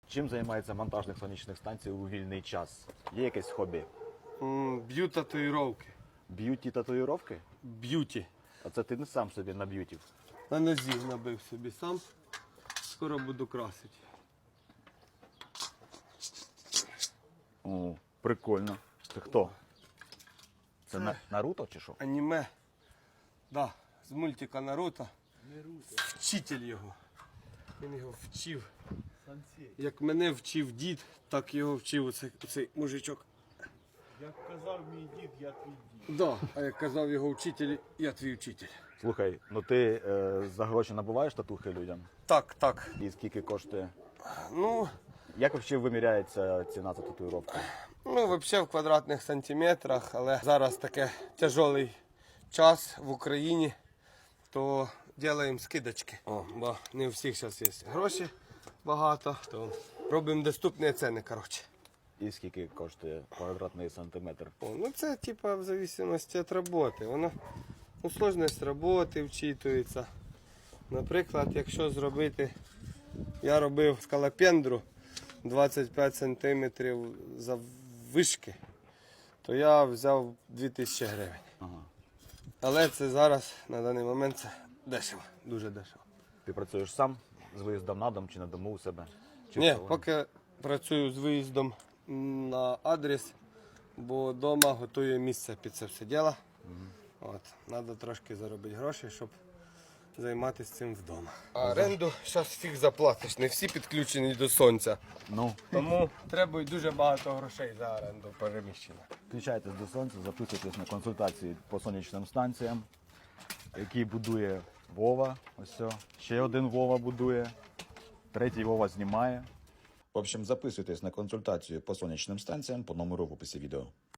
Чим займається монтажник сонячних станцій у вільний час? Є якесь хобі? Б'ю татуїровки. Б'юті татуїровки? Б'юті. А це ти не сам собі наб'ютів. На нозі набив собі сам. Скоро буду красити. О, прикольно. Це хто? Це Наруто чи що? Аніме. Да, з мультика Наруто. Вчитель його. Він його вчив. Як мене вчив дід, так його вчив оцей мужичок. Як казав мій дід, я твій дід. Да, а як казав його вчитель, я твій вчитель. Слухай, ну ти за гроші набуваєш татухи людям? Так. І скільки коштує? Ну, Як взагалі виміряється ціна за татуїровку? взагалі в квадратних сантиметрах, але зараз таке тяжелий час в Україні, то робимо скидочки. Бо не у всіх зараз є гроші багато, то робимо доступні ціни, коротше. І скільки коштує квадратний сантиметр? Це типа в залежності від роботи. Воно сложність роботи вчитується. Наприклад, якщо зробити, я робив скалопендру 25 см заввишки, то я взяв 2000 гривень. Ага. Але це зараз, на даний момент, це дешево, дуже дешево. Ти працюєш сам з виїздом на дом чи на дому у себе? Чи Ні, в салоні? поки працюю з виїздом на адрес, бо вдома готую місце під це все діло. Треба трошки заробити гроші, щоб займатися цим вдома. А оренду зараз фіг заплатиш, не всі підключені до сонця. Ну, Тому треба й дуже багато грошей за оренду переміщення. включайтесь до сонця, записуйтесь на консультації по сонячним станціям, які будує Вова. Ось все. Ще один Вова будує, третій Вова знімає. В общем, записуйтесь на консультацію по сонячним станціям по номеру в описі відео.